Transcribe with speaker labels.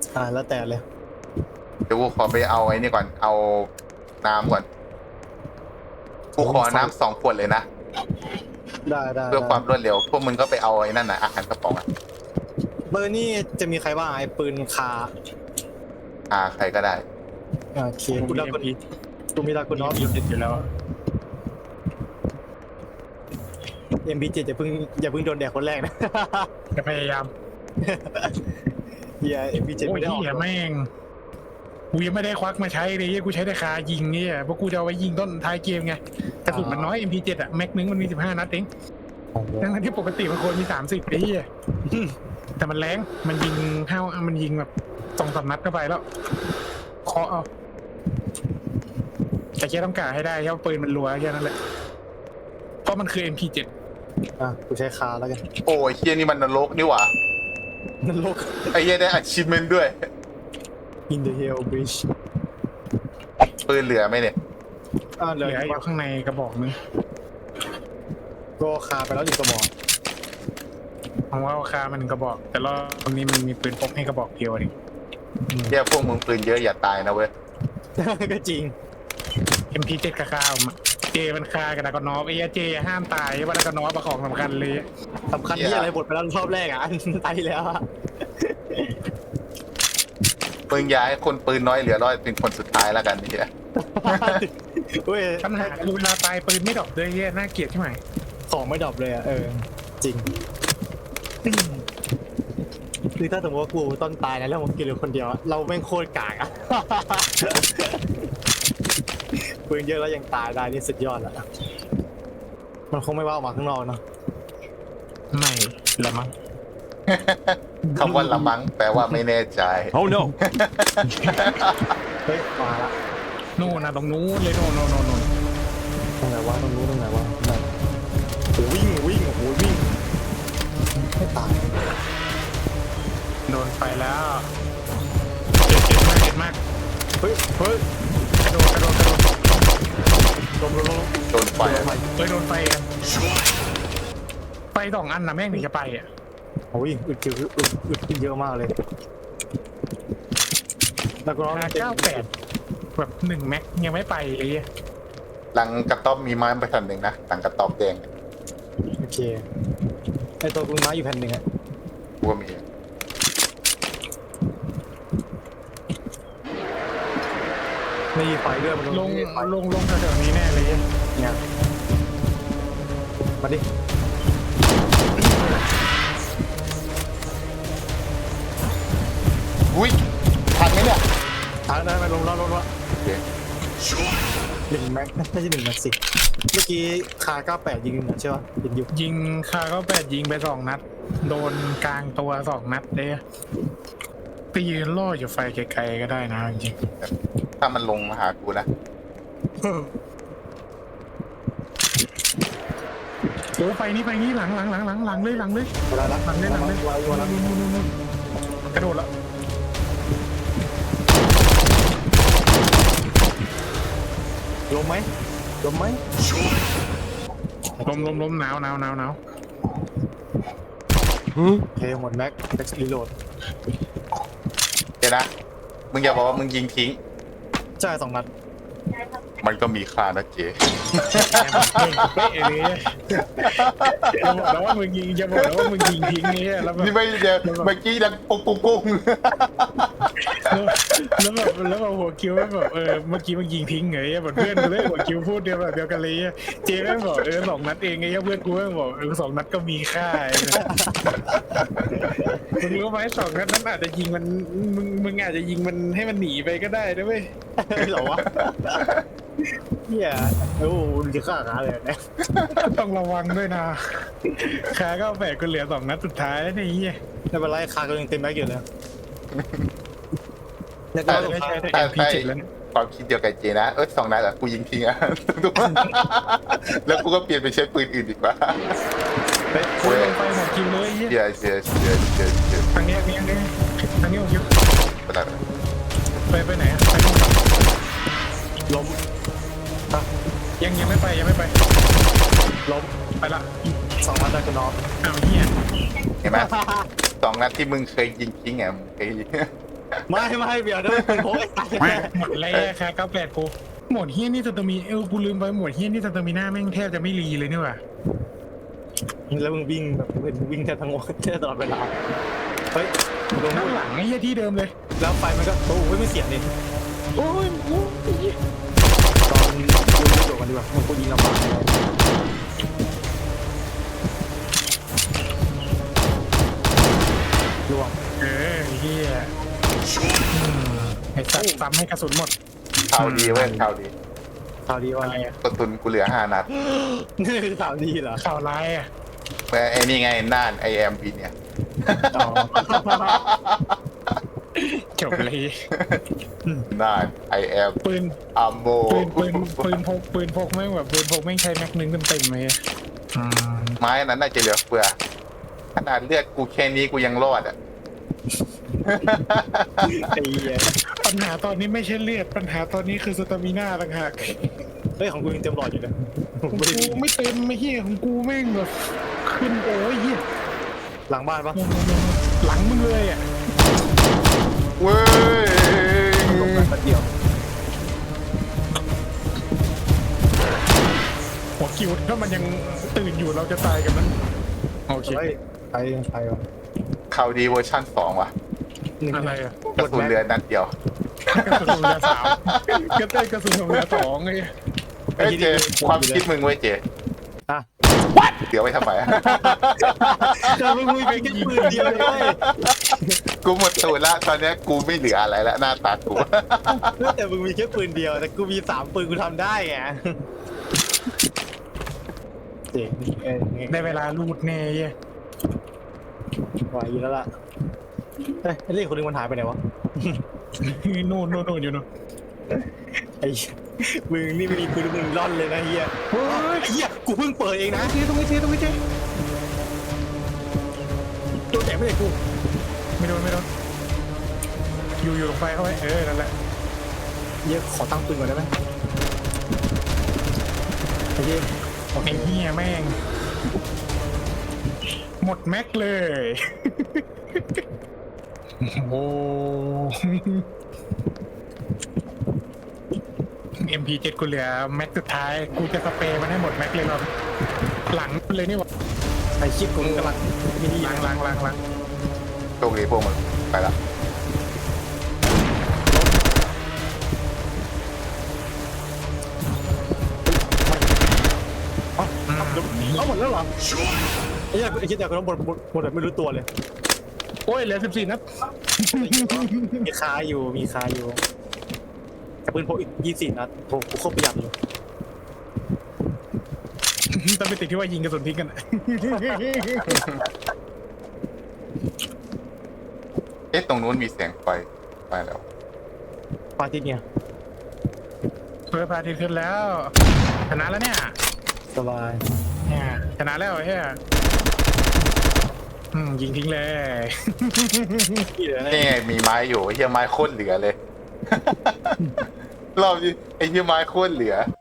Speaker 1: แล้วแต่เลย
Speaker 2: เดี๋ยวกูขอไปเอาไอ้นี่ก่อนเอาน้ำก่อนกูขอน้ำ2 ขวดเลยนะ
Speaker 1: ได้
Speaker 2: เพื่อความรวดเร็วพวกมึงก็ไปเอาไอ้นั่นน่ะอาหารกระป๋องอะ
Speaker 1: เบอร์นี่จะมีใครบ้างไอ้ปืนคา
Speaker 2: ใครก็ได้
Speaker 1: โอเคกูดากุนกูมีดากุนอฟ
Speaker 3: ติดอยู่แล้ว
Speaker 1: MP7อย่าเพิ่งโดนแดกคนแรกนะ
Speaker 3: จะพยายาม
Speaker 1: เฮีย MP7
Speaker 3: โอ้
Speaker 1: ไม่
Speaker 3: ย
Speaker 1: ได้ออก
Speaker 3: เหี้ยแม่งกูยังไม่ได้ควักมาใช้เลยกูใช้แต่คายิงเนี่ยเพราะกูจะเอาไว้ยิงต้นท้ายเกมไงกระสุนมันน้อย MP7 อะแม็กนึงมันมี15 นัดเองทั้งที่ปกติมันควรมี30ไอ้เหี้ยแต่มันแรงมันยิงมันยิงแบบ2-3 นัดเข้าไปแล้วเคาะเอาแต่แค่ต้องกะให้ได้แค่ว่าปืนมันรัวแค่นั้นแหละเพราะมันคือ MP7
Speaker 1: กูใช้คาแล้วกัน
Speaker 2: โอ้ยเฮียนี่มันนรกนี่หว่า
Speaker 1: นรก
Speaker 2: ไอ้เฮียได้ achievement ด้วย
Speaker 1: In the Hell Bridge
Speaker 2: ปืนเหลือไหมเนี่ย
Speaker 1: เห
Speaker 3: เห
Speaker 1: ลื
Speaker 3: ลื
Speaker 1: อ
Speaker 3: ออยู่ข้างในกระบอกนึง
Speaker 1: ก็คาไปแล้ว1กระบอก
Speaker 3: ผมว่าคามัน1 กระบอก แต่รอบนี้มันมีปืนพกให้กระบอกเดียวเอง
Speaker 2: เฮียพวกมึงปืนเยอะอย่าตายนะเว้ย
Speaker 1: ก็จริง
Speaker 3: MP7 กับคาผมอะเจมันคากับดากอนอฟไอ้เจห้ามตายว่าดากอนอฟเป็นของสำคัญเลย
Speaker 1: สำคัญที่อะไรบทไปแล้วรอบแรกอันตายแล้ว
Speaker 2: มึงอย่าให้คนปืนน้อยเหลือร้อยเป็นคนสุดท้ายแล้วกันเฮีย
Speaker 1: เว้ย
Speaker 3: ปัญหาคือเวลาตายปืนไม่ดรอปเลยน่าเกลียดใช่ไหม
Speaker 1: ของไม่ดรอปเลยจริงคือถ้าสมมติว่ากูต้นตายนะแล้วผมกินเหลือคนเดียวเราแม่งโคตรกากอะปืนเยอะแล้วยังตายได้นี่สุดยอดแล้วมันคงไม่ว่าออกมาข้างนอกเนาะ
Speaker 3: ไม่ละมั้ง
Speaker 2: คำว่าละมังแปลว่าไม่แน่ใจ
Speaker 4: Oh no!
Speaker 1: เฮ้ยมาละ
Speaker 3: นู่นนะตรงนู้นเลยโน่น
Speaker 1: ตรงไหนวะตรงนู้นตรงไหนวะไหนโอ้วิ่งโอ้โหวิ่งไม่ตาย
Speaker 3: โดนไฟแล้วเจ็บมาก
Speaker 1: เฮ้ย
Speaker 3: กระโดด
Speaker 1: ลม
Speaker 2: โดนไฟอะ
Speaker 3: โดนไฟครับไฟ2 อันนะแม่งถึงจะไปอ่ะ
Speaker 1: โอ้ยอึดขึ้นเยอะมากเลยแล้วก็ร้อง
Speaker 3: 98แบบ1 แม็กยังไม่ไปไอ้เหี้ย
Speaker 2: หลังกระต๊อบมีไม้ไปทันหนึ่งนะหลังกระต๊อบแดง
Speaker 1: โอเคไอตัวกูม้าอยู่แผ่นหนึ่งอะ
Speaker 2: กูก็มี
Speaker 1: ไม่มีไฟด้วยมัน
Speaker 3: ลงแถวๆนี้แน่เลย
Speaker 1: เนี่ยมาดิ
Speaker 2: อุ้ยทันไหมเนี่ย
Speaker 1: ทางนั้นมาลงแล้ว
Speaker 2: โอเค
Speaker 1: 1 แม็กน่าจะ1 แม็กสิเมื่อกี้คา98ยิงใช่ป่ะยิงอยู่
Speaker 3: ยิงคาก็8ยิงไป2 นัดโดนกลางตัว2 นัดเลยไปยืนล่ออยู่ไฟไกลๆก็ได้นะจริง
Speaker 2: ถ้ามันลงมาหากูนะ
Speaker 3: โอ้ไฟนี้หลังเลย
Speaker 1: เวลาละ
Speaker 3: หลังเลยนู่นกระโดดแล้ว
Speaker 1: ลมไหม
Speaker 3: ล้มหนาว
Speaker 1: โอเคหมดแม็กแม็กรีโหลด
Speaker 2: เดี๋ยวนะมึงอย่าบอกว่ามึงยิงทิ้ง
Speaker 1: ใช่2 นัด
Speaker 2: มันก็มีค่านะเจ
Speaker 3: เป๊ะเลยจะบอกแล้วว่ามึงยิงทิ้งนี่แล้วแบบ
Speaker 2: นี่ไม่เดี๋ยวเมื่อกี้ดังปุ้ง
Speaker 3: แล้วแบบหัวคิวแบบเมื่อกี้มึงยิงทิ้งไงแบบเพื่อนกูเลยหัวคิวพูดเดียวกันเลยเจแม่งบอก2 นัดเองไงเพื่อนกูแม่งบอก2 นัดก็มีค่ามึงรู้ไหม2 นัดนั้นอาจจะยิงมันมึงอาจจะยิงมันให้มันหนีไปก็ได้นะเว้ย
Speaker 1: เหรอวะเฮียโอ้จะฆ่าขาเลยนะ
Speaker 3: ต้องระวังด้วยนะขาก็8ก็เหลือ2 นัดสุดท้ายแล้วนี่
Speaker 1: ไม่เป็นไรคาก็ยังเต็มแม็กอยู่เลยแล้ว
Speaker 2: ๆ
Speaker 1: ก็
Speaker 3: ไม่ใช่แต่
Speaker 2: แต่
Speaker 3: MP7 แล้วเนี่ย
Speaker 2: ความคิดเดียวกับเจนะ2 นัดอะกูยิงทิ้งอะ แล้วกูก็เปลี่ยนไปใช้ปืนอื่นดีกว่า
Speaker 3: โอ้ยลงไปหมดคิวเลยเฮีย
Speaker 2: เดี๋ยว
Speaker 3: ทางนี้หัวคิว
Speaker 2: ไปไหน
Speaker 3: ไปไหนไปนู่น
Speaker 1: ล้ม
Speaker 3: ยังไม่ไป
Speaker 1: ล้ม
Speaker 3: ไปละ
Speaker 1: 2 นัดได้ก็น็อก
Speaker 3: อ้าวเฮีย
Speaker 2: เห็นไหม2 นัดที่มึงเคยยิงทิ้งอะมึงเคยยิง
Speaker 1: ไม่เบียร์นั่นเป็นโค้กไอ้สัตว์
Speaker 3: หมดเลยค่ะ98กูหมดเฮี้ยนี่สตอมีกูลืมไปหมดเฮี้ยนี่สตอมีหน้าแม่งแทบจะไม่รีเลยนี่หว่า
Speaker 1: แล้วมึงวิ่งแบบมึงวิ่งแทบทั้งวันแทบตลอดเวลาเฮ้ยลง
Speaker 3: ข้างหลังไอ้เฮี้ยที่เดิมเลย
Speaker 1: แล้วไฟมันก็โอ้ยไม่เสียงนี่
Speaker 3: โอ้ยโอ้ย
Speaker 1: ตอนกูรู้ตัวกันดีกว่ามันกูยิงลำบากล่วง
Speaker 3: เฮี้ยไอ้สัตว์ซ้ำให้กระสุนหมด
Speaker 2: ข่าวดีเว้ยข่าวดี
Speaker 1: ข่าวดีว่า
Speaker 3: อะไรอะ
Speaker 2: กระตุนกูเหลือ5 นัด
Speaker 1: นี่คือข่าวดีเหรอ
Speaker 3: ข่าวร้ายอ่ะ
Speaker 2: แม่ไอ้นี่ไงน่านไอแอมพีเนี่ย
Speaker 1: อ๋อ
Speaker 3: จบเลย
Speaker 2: น่านไอแอม
Speaker 3: ปืน
Speaker 2: อัมโบ
Speaker 3: ปืนพกแม่งแบบปืนพกแม่งใช้แม็กนึงเต็มๆเลย
Speaker 2: ไม้นั้นน่าจะเหลือเฟือขนาดเลือดกูแค่นี้กูยังรอดอ่ะ
Speaker 1: ไอ้เหี้ย
Speaker 3: ปัญหาตอนนี้ไม่ใช่เลือดปัญหาตอนนี้คือสตามิน่าต่างหาก
Speaker 1: เฮ้ยของกูยังเต็มหลอดอยู่นะ
Speaker 3: ของกูไม่เต็มไม่เฮี้ยของกูแม่งแบบขึ้นโอ้ยเฮี้ย
Speaker 1: หลังบ้านปะ
Speaker 3: หลังมึงเลยอ่ะ
Speaker 2: เว้ย
Speaker 1: ลงมาเดียว
Speaker 3: หัวคิวถ้ามันยังตื่นอยู่เราจะตายกันมั้ยโอเค
Speaker 1: เฮ้ยไปวะ
Speaker 2: ข่าวดีเวอร์ชัน2 ว่ะ
Speaker 3: อะไรอ่ะ
Speaker 2: กระสุนเหลือนัดเดียว
Speaker 3: กระสุนเรือ3ก็ได้กระสุนเรือ2ไง
Speaker 2: เอ้ยเจความคิดมึงเว้ยเจ
Speaker 1: อ่ะ
Speaker 2: เดี๋ยวไว้ทำไม
Speaker 1: แต่มึงมีแค่ปืนเดียวเลย
Speaker 2: กูหมดตูดละตอนเนี้ยกูไม่เหลืออะไรละหน้าตากู
Speaker 1: แต่มึงมีแค่ปืนเดียวแต่กูมี3ปืนกูทำได้ไงเจ๋ง
Speaker 3: ได้เวลาลูดแน่เหี้ย
Speaker 1: ไหวอยู่แล้วล่ะเฮ้ยไอ้เรื่องคนนึงมันหายไปไหนวะ
Speaker 3: นู่นอยู่นู่น
Speaker 1: ไอ้มึงนี่ไม่มีปืนมึงร่อนเลยนะเฮียเฮ้ยไอ้เฮียกูเพิ่งเปิดเองนะตรงนี้โดนแตะไม่ได้กู
Speaker 3: ไม่โดนอยู่ลงไปเข้าไปนั่นแหละ
Speaker 1: เฮียขอตั้งปืนก่อนได้ไหมไอ้เฮีย
Speaker 3: ไอ้เหี้ยแม่งหมดแม็กเลย โอ้ MP7 กูเหลือแม็กสุดท้ายกูจะสเปรย์มันให้หมดแม็กเลยครับหลังเลยนี่หว่า
Speaker 1: ไอ้ชิปกูกำลังมินิ
Speaker 3: ล้าง
Speaker 2: โชคดีพวกมึงไปละ
Speaker 1: เอาหมดแล้วเหรอไอ้เฮียไอ้เฮียแต่กูต้องหมดแบบไม่รู้ตัวเลย
Speaker 3: โอ้ยเหลือ14นัด
Speaker 1: มีคาอยู่กับปืนพกอีก24นัดโหกูโคตรประหยัดเลย
Speaker 3: ต้องไปติดที่ว่ายิงกระสุนพิกกันอะ
Speaker 2: เอ๊ะตรงนู้นมีเสียงไฟไปแล้ว
Speaker 1: ปาร์ตี้เนี่ย
Speaker 3: เพื่อพาทีขึ้นแล้วชนะแล้วเนี่ย
Speaker 1: สบาย
Speaker 3: เนี่ยชนะแล้วเฮียยิงทิ้งเลย
Speaker 1: ที่เหลือ
Speaker 2: นี่ไงมีไม้อยู่ไอ้เหี้ยไม้โคตรเหลือเลย รอบนี้ไอ้เหี้ยไม้โคตรเหลือ